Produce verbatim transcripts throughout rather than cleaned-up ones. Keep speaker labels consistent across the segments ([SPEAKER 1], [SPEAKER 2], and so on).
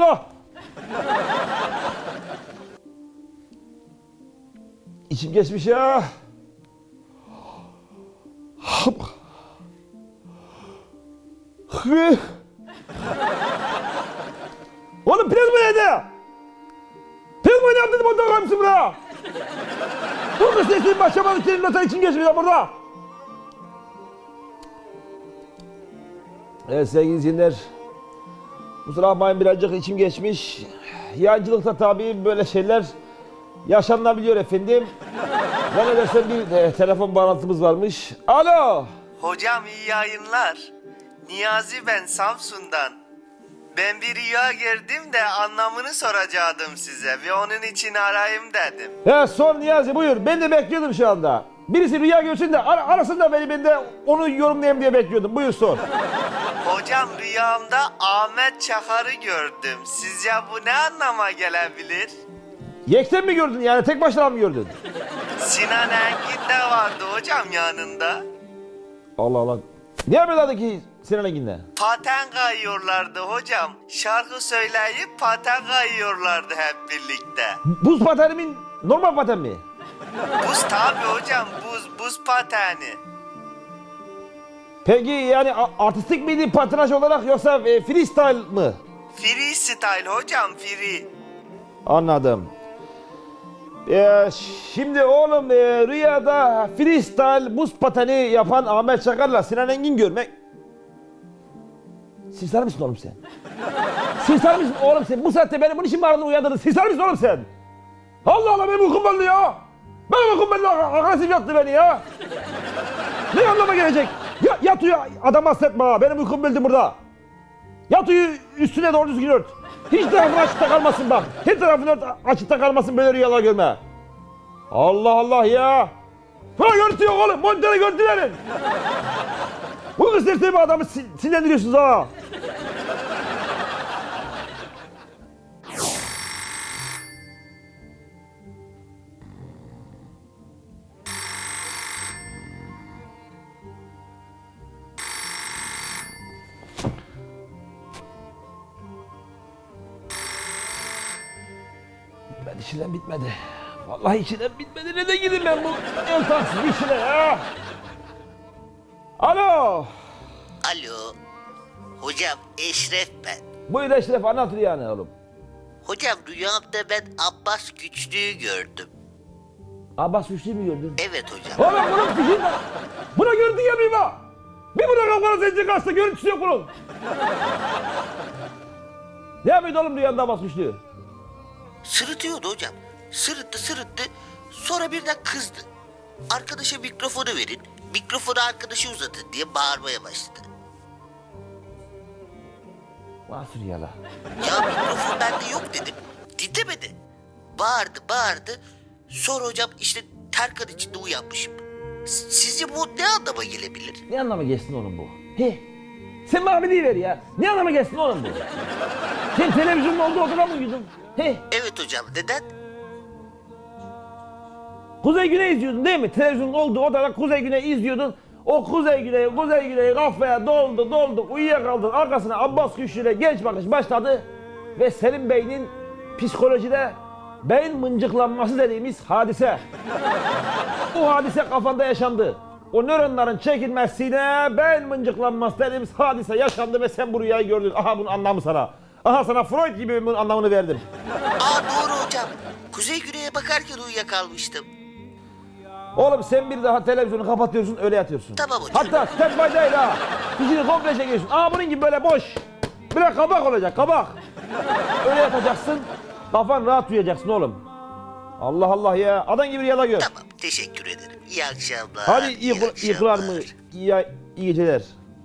[SPEAKER 1] Allah! İçim geçmiş ya. Oğlum priz mi yedi? Priz mi oynayalım dedim ondan kalmışsın buraya. Dur kız sesini başlamadık senin notan için geçmiş ya burada. Evet sevgili izleyenler. Kusura bakmayın birazcık içim geçmiş. Yayıncılıkta tabii böyle şeyler yaşanabiliyor efendim. Ben ne dersem bir e, telefon bağlantımız varmış. Alo.
[SPEAKER 2] Hocam iyi yayınlar. Niyazi ben Samsun'dan. Ben bir rüya gördüm de anlamını soracaktım size ve onun için arayayım dedim.
[SPEAKER 1] He sor Niyazi buyur. Ben de bekliyordum şu anda. Birisi rüya görsün de ar arasın da beni, ben de onu yorumlayayım diye bekliyordum. Buyur sor.
[SPEAKER 2] Hocam rüyamda Ahmet Çakar'ı gördüm. Sizce bu ne anlama gelebilir?
[SPEAKER 1] Yekten mi gördün yani tek başına mı gördün?
[SPEAKER 2] Sinan Engin de vardı hocam yanında.
[SPEAKER 1] Allah Allah. Ne yapıyorlardı ki Sinan Engin'le?
[SPEAKER 2] Paten kayıyorlardı hocam. Şarkı söyleyip paten kayıyorlardı hep birlikte.
[SPEAKER 1] Buz pateni mi? Normal paten mi?
[SPEAKER 2] Buz tabi hocam, buz, buz pateni.
[SPEAKER 1] Peki yani artistik miydi patinaj olarak yoksa e, freestyle mı?
[SPEAKER 2] Freestyle hocam, free.
[SPEAKER 1] Anladım. Ee, şimdi oğlum e, rüyada freestyle buz pateni yapan Ahmet Çakar'la Sinan Engin görmek... Sinsar mısın oğlum sen? Sinsar mısın oğlum sen? Bu saatte beni bunun için mi aradın uyandırdın? Sinsar mısın oğlum sen? Allah Allah benim uykum belldi ya. Benim uykum belldi, agresif yattı beni ya. Ne anlama gelecek? Ya, yat uyu adam hasretme ha. Benim uykum belldi burada. Yat uyu üstüne doğru düzgün ört. Hiç tarafın açıkta kalmasın bak. Her tarafın ört, açıkta kalmasın böyle rüyalar görme. Allah Allah ya. Bana görüntü yok oğlum. Monitöre görüntü verin. Bu kız bir adamı sinirlendiriyorsunuz ha. Ben işinden bitmedi. Vallahi işinden bitmedi. Nereden gideyim ben bu el taksız işine ya? Alo.
[SPEAKER 2] Alo. Hocam Eşref ben.
[SPEAKER 1] Buyur Eşref anlat rüyanı oğlum.
[SPEAKER 2] Hocam rüyamda ben Abbas Güçlü'yü gördüm.
[SPEAKER 1] Abbas Güçlü'yü mü gördün?
[SPEAKER 2] Evet hocam.
[SPEAKER 1] Oğlum bunun fikri var. Buna görüntü gelmeyeyim ha. Bir buna kafana zenci kaçta görüntüsü yok bunun. Ne yapıyordu oğlum rüyanda Abbas Güçlü?
[SPEAKER 2] Sırıtıyordu hocam. Sırıttı sırıttı. Sonra birden kızdı. Arkadaşa mikrofonu verin. Mikrofonu arkadaşa uzatın diye bağırmaya başladı.
[SPEAKER 1] Nasıl rüyalar?
[SPEAKER 2] Ya mikrofon bende yok dedim. Dinlemedi. Bağırdı bağırdı. Sonra hocam işte terkan içinde uyanmışım. S- Sizce bu ne anlama gelebilir?
[SPEAKER 1] Ne anlama geçsin oğlum bu? He? Sen bana bir deyiver ya. Ne anlama geçsin oğlum bu? Sen televizyonun olduğu odada mı uyudun? He?
[SPEAKER 2] Evet hocam neden?
[SPEAKER 1] Kuzey Güney izliyordun değil mi? Televizyonun olduğu odada Kuzey Güney izliyordun. O Kuzey Güney, Kuzey Güney kafaya doldu doldu uyuyakaldın. Arkasına Abbas Güçlü'yle genç bakış başladı. Ve senin beynin psikolojide beyin mıncıklanması dediğimiz hadise. Bu hadise kafanda yaşandı. O nöronların çekilmesiyle beyin mıncıklanması dediğimiz hadise yaşandı ve sen bu rüyayı gördün. Aha bunun anlamı sana. Aha sana Freud gibi bunun anlamını verdim.
[SPEAKER 2] Aa doğru hocam. Kuzey güneye bakarken uyuyakalmıştım.
[SPEAKER 1] Oğlum sen bir daha televizyonu kapatıyorsun öyle yatıyorsun.
[SPEAKER 2] Tamam hocam.
[SPEAKER 1] Hatta standby değil ha. Dişini komple çekiyorsun. Aa bunun gibi böyle boş. Böyle kabak olacak kabak. Öyle yatacaksın. Kafan rahat uyuyacaksın oğlum. Allah Allah ya. Adam gibi rüyada gör.
[SPEAKER 2] Tamam teşekkür ederim. İyi akşamlar.
[SPEAKER 1] Hadi iyi, iyi, iyi kılar mı? İyi, iyi geceler.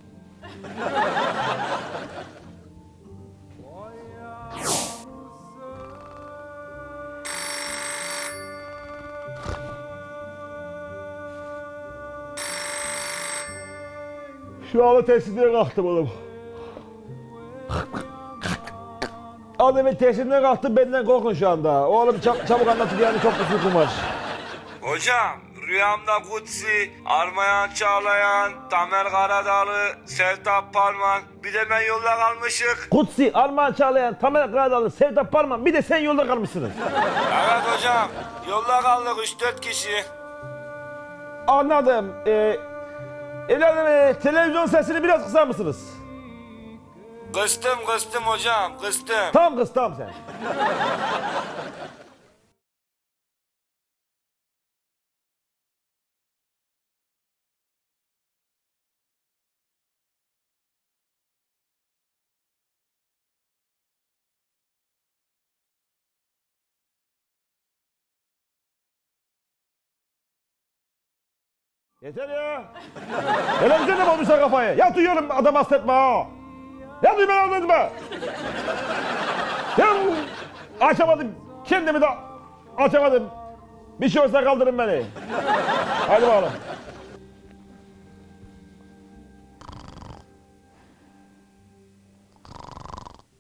[SPEAKER 1] Şu anda teslimden kalktım oğlum. Adam ben teslimden kalktım benden korkun şu anda. Oğlum çab çabuk anlatın yani çok uykum var.
[SPEAKER 3] Hocam rüyamda Kutsi, Armayan Çağlayan, Tamer Karadağlı, Sevtap Parmak, bir de ben yolda kalmışık.
[SPEAKER 1] Kutsi, Armağan Çağlayan, Tamer Karadalı, Sevtap Parman, bir de sen yolda kalmışsınız.
[SPEAKER 3] Evet hocam, yolda kaldık üç dört kişi.
[SPEAKER 1] Anladım. Ee, evladım e, televizyon sesini biraz kısar mısınız?
[SPEAKER 3] Kıstım kıstım hocam, kıstım.
[SPEAKER 1] Tamam kız, tamam sen. Yeter ya. Televizyon da bozmuşlar kafayı. Ya duyuyorum adam hasretme ha. Ya duy beni anladın mı? Ya açamadım. Kendimi de açamadım. Bir şey olsa kaldırın beni. Hadi bakalım.